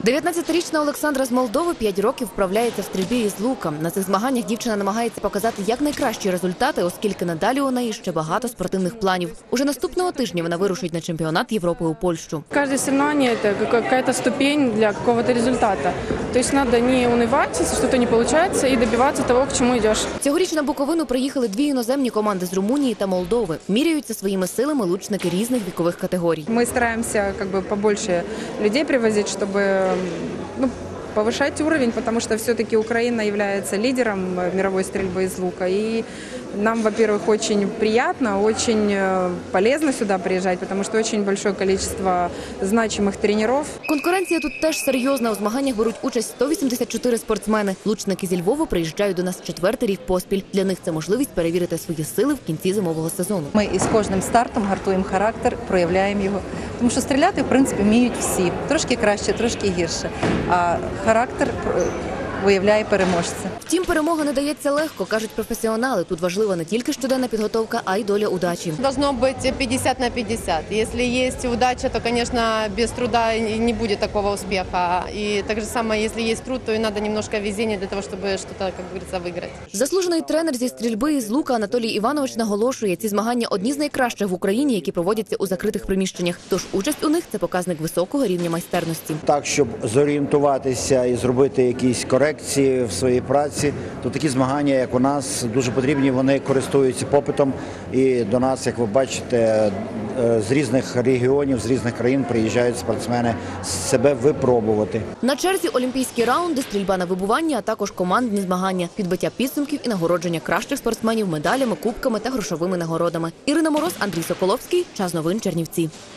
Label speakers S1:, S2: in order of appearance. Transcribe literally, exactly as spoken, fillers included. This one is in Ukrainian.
S1: дев'ятнадцятирічна Олександра з Молдови п'ять років вправляється в стрільбі із лука. На цих змаганнях дівчина намагається показати якнайкращі результати, оскільки надалі у неї ще багато спортивних планів. Уже наступного тижня вона вирушить на чемпіонат Європи у Польщу.
S2: Кожне соревнование – це якась ступень для якогось результату. Тобто треба не унивати, якщо щось не виходить, і добиватися того, к чому йдеш.
S1: Цьогоріч на Буковину приїхали дві іноземні команди з Румунії та Молдови. Міряються своїми силами лучники різних вікових категорій.
S3: Ми стараємося как бы, побольше людей привозити, щоб ну, повышать уровень, потому что все-таки Украина является лидером мировой стрельбы из лука. И нам, во-первых, очень приятно, очень полезно сюда приезжать, потому что очень большое количество значимых тренеров.
S1: Конкуренція тут теж серйозна. У змаганнях беруть участь сто вісімдесят чотири спортсмени. Лучники зі Львова приїжджають до нас четвертий рік поспіль. Для них це можливість перевірити свої сили в кінці зимового сезону.
S4: Ми із кожним стартом гартуємо характер, проявляємо його. Тому що стріляти, в принципі, вміють всі. Трошки краще, трошки гірше. А характер виявляє переможця.
S1: Втім, перемога не дається легко, кажуть професіонали. Тут важлива не тільки щоденна підготовка, а й доля удачі.
S5: Должно бути п'ятдесят на п'ятдесят. Якщо є удача, то, звісно, без труда не буде такого успіху. І так же само, якщо є труд, то і треба немножко везіння для того, щоб щось, як говориться, виграти.
S1: Заслужений тренер зі стрільби із лука Анатолій Іванович наголошує, ці змагання одні з найкращих в Україні, які проводяться у закритих приміщеннях. Тож участь у них – це показник високого рівня майстерності.
S6: Так, щоб зорієнтуватися і зробити якісь корекції в своїй праці, то такі змагання, як у нас, дуже потрібні, вони користуються попитом. І до нас, як ви бачите, з різних регіонів, з різних країн приїжджають спортсмени себе випробувати.
S1: На черзі олімпійські раунди, стрільба на вибування, а також командні змагання, підбиття підсумків і нагородження кращих спортсменів медалями, кубками та грошовими нагородами. Ірина Мороз, Андрій Соколовський. Час новин Чернівці.